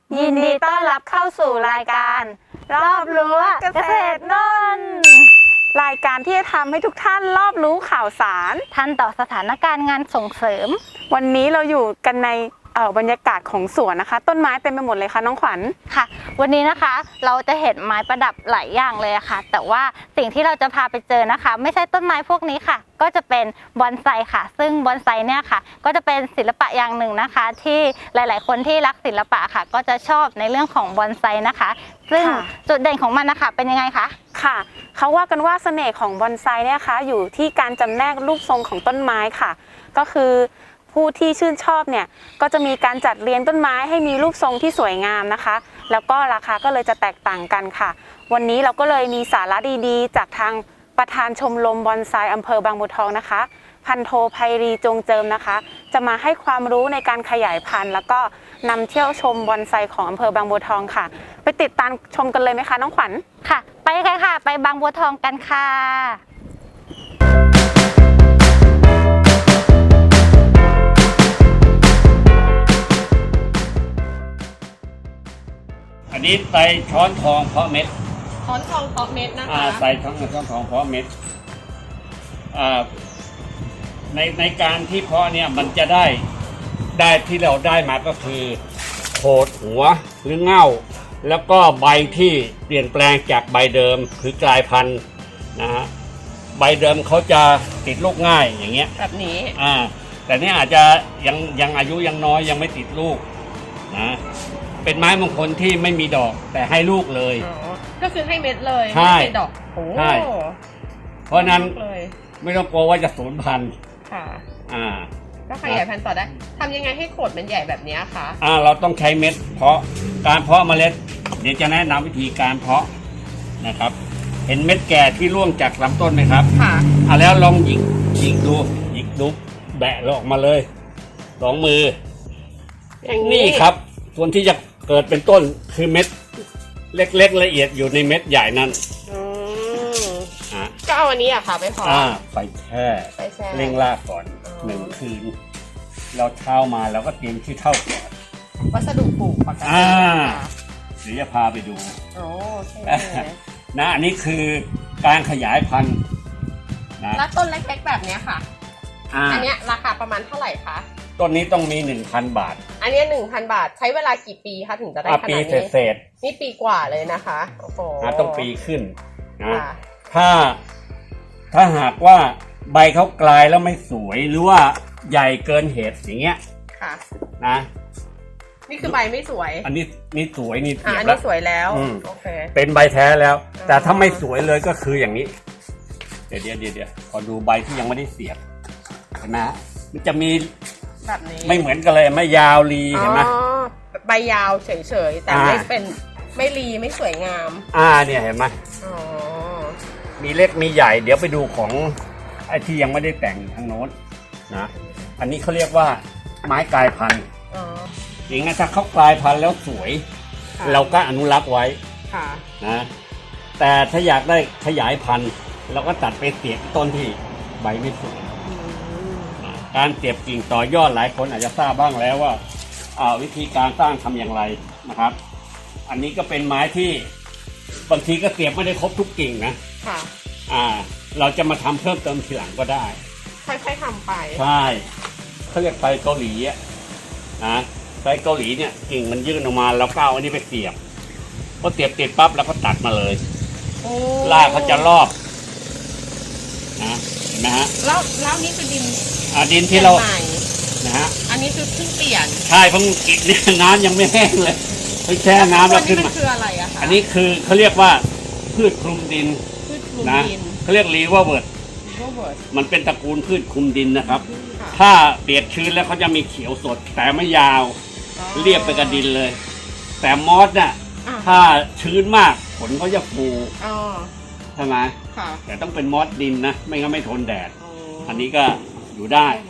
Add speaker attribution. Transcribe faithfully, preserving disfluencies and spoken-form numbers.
Speaker 1: ยินดีต้อนรับเข้าสู่รายการรอบรู้เกษตรนนท์รายการที่จะทำให้ทุกท่านรอบรู้ข่าวสาร
Speaker 2: ทันต่อสถานการณ์งานส่งเสริม
Speaker 1: วันนี้เราอยู่กันในเอ่อบรรยากาศของสวนนะคะต้นไม้เต็มไปหมดเลยค่ะน้องขวัญ
Speaker 2: ค่ะวันนี้นะคะเราจะเห็นไม้ประดับหลายอย่างเลยค่ะแต่ว่าสิ่งที่เราจะพาไปเจอนะคะไม่ใช่ต้นไม้พวกนี้ค่ะก็จะเป็นบอนไซค่ะซึ่งบอนไซเนี่ยค่ะก็จะเป็นศิลปะอย่างหนึ่งนะคะที่หลายๆคนที่รักศิลปะค่ะก็จะชอบในเรื่องของบอนไซนะคะซึ่งจุดเด่นของมันนะคะเป็นยังไงคะ
Speaker 1: ค่ะเขาว่ากันว่าเสน่ห์ของบอนไซเนี่ยค่ะอยู่ที่การจำแนกรูปทรงของต้นไม้ค่ะก็คือผู้ที่ชื่นชอบเนี่ยก็จะมีการจัดเรียงต้นไม้ให้มีรูปทรงที่สวยงามนะคะแล้วก็ราคาก็เลยจะแตกต่างกันค่ะวันนี้เราก็เลยมีสาระดีๆจากทางประธานชมรมบอนไซอำเภอบางบัวทองนะคะพันโทไพรีจงเจิมนะคะจะมาให้ความรู้ในการขยายพันธุ์แล้วก็นำเที่ยวชมบอนไซของอำเภอบางบัวทองค่ะไปติดตามชมกันเลยไหมคะน้องขวัญ
Speaker 2: ค่ะไปกันค่ะไปบางบัวทองกันค่ะ
Speaker 3: อันนี้ใส่ช้อนทองเพาะเม็ด
Speaker 4: ช้อนทองเพาะเม็ดนะคะ
Speaker 3: ใส่ช้อนช้อนทองเพาะเม็ดในในการที่เพาะเนี่ยมันจะได้ได้ที่เราได้มาก็คือโขดหัวหรือเง่าแล้วก็ใบที่เปลี่ยนแปลงจากใบเดิมคือกลายพันธุ์นะฮะใบเดิมเขาจะติดลูกง่ายอย่างเงี้ย
Speaker 4: แบบนี้
Speaker 3: อ่าแต่นี่อาจจะยังยังอายุยังน้อยยังไม่ติดลูกนะเป็นไม้มงคลที่ไม่มีดอกแต่ให้ลูกเลย
Speaker 4: ก็คือให้เม็ดเลย
Speaker 3: ไม่
Speaker 4: ให้ดอกโอ้
Speaker 3: ใช่เพราะนั้นไม่ต้องกลัวว่าจะสูญพันธุ์
Speaker 4: ค่ะ
Speaker 3: อ่า
Speaker 4: ก็ขยายพันธุ์ต่อได้ทำยังไงให้โขดมันใหญ่แบบนี้คะ
Speaker 3: อ่าเราต้องใช้เม็ดเพาะการเพาะเมล็ดเดี๋ยวจะแนะนำวิธีการเพาะนะครับเห็นเม็ดแก่ที่ร่วงจากลำต้นไหมครับ
Speaker 4: ค่ะ
Speaker 3: อ่าแล้วลองหยิกหยิกดูหยิกดูแบะออกมาเลยสองมืออย่างนี้ครับส่วนที่จะเกิดเป็นต้นคือเม็ดเล็กๆละเอียดอยู่ในเม็ดใหญ่นั้น
Speaker 4: ก็เอาอันนี้อะค่ะไปเพาะ
Speaker 3: ไปแช่เร่งรากก่อนหนึ่งคืนเราเช้ามาเราก็เตรียมขี้เถ้าก่อน
Speaker 4: วัสดุปลูกปกติ
Speaker 3: เดี๋ยวจะพาไปดู
Speaker 4: โอ้
Speaker 3: นะอันนี้คือการขยายพันธุ์
Speaker 4: นะแล้วต้นเล็กๆแบบนี้ค่ะอันนี้ราคาประมาณเท่าไหร่คะ
Speaker 3: ต้นนี้ต้องมี หนึ่งพัน บาท
Speaker 4: อันนี้ หนึ่งพัน บาทใช้เวลากี่ปีคะถึงจะได้ขนาดนี้
Speaker 3: ปีเศษ
Speaker 4: นี่ปีกว่าเลยนะคะโอ้โห
Speaker 3: ต้องปีขึ้นนะถ้าถ้าหากว่าใบเขากลายแล้วไม่สวยหรือว่าใหญ่เกินเหตุอย่างเงี้ย
Speaker 4: ค่ะ
Speaker 3: นะ
Speaker 4: นี่คือใบไม่สวย
Speaker 3: อันนี้นี่สวยนี่
Speaker 4: เสียบแล้วอันนี้สวยแล้วโอเค
Speaker 3: เป็นใบแท้แล้วแต่ถ้าไม่สวยเลยก็คืออย่างนี้เดี๋ยวเดี๋ยวเดี๋ยวขอดูใบที่ยังไม่ได้เสียบเห็นไหมมันจะมี
Speaker 4: แบบนี้
Speaker 3: ไม่เหมือนกันเลยไม่ยาวรีเห็นไหม
Speaker 4: ใบยาวเฉยๆแต่ไม่เป็นไม่รีไม่สวยงาม
Speaker 3: อ่าเนี่ยเห็นไหม
Speaker 4: อ๋อ
Speaker 3: มีเล็กมีใหญ่เดี๋ยวไปดูของไอ้ที่ยังไม่ได้แต่งทางโน้นนะอันนี้เขาเรียกว่าไม้กลายพันธุ์อย่างงั้นถ้าเขากลายพันธุ์แล้วสวยเราก็อนุรักษ์ไว้นะแต่ถ้าอยากได้ขยายพันธุ์เราก็ตัดไปเสียบต้นที่ใบไม่สวยการเสียบกิ่งต่อยอดหลายคนอาจจะทราบบ้างแล้วว่าวิธีการสร้างทำอย่างไรนะครับอันนี้ก็เป็นไม้ที่บางทีก็เสียบไม่ได้ครบทุกกิ่งนะ
Speaker 4: ค่ะ
Speaker 3: อ่าเราจะมาทำเพิ่มเติมทีหลังก็ได้
Speaker 4: ค่อยๆทำไป
Speaker 3: ใช่เขาเรียกไฟเกาหลีอ่ะนะไฟเกาหลีเนี่ยกิ่งมันยื่นออกมาแล้วก็เอาอันนี้ไปเสียบพอเสียบติดปั๊บแล้วก็ตัดมาเลยรากเขาจะรอบนะเห็นไหมฮะ
Speaker 4: แล้วแล้วนี่คือดิน
Speaker 3: อ่าดินที่เรานะฮะ
Speaker 4: อันนี้คือเพิ่งเปลี่ยน
Speaker 3: ใช่เพิ่งกินเนี่ยน้ำยังไม่แห้งเลยเพิ่งแช่น้ำแล้วขึ้นมา
Speaker 4: คืออะไรอะคะ
Speaker 3: อันนี้คือเขาเรียกว่าพืชคลุมดินนะเขาเรียกรีเวอร์เวิร์ดมันเป็นตระกูลพืชคลุมดินนะครับถ้าเปียกชื้นแล้วเขาจะมีเขียวสดแต่ไม่ยาวเรียบไปกับดินเลยแต่มอสเนี่ยถ้าชื้นมากผลเขาจะฟูใช่ไหมแต่ต้องเป็นมอสดินนะไม่งั้นไม่ทนแดดอันนี้ก็อยู่ได้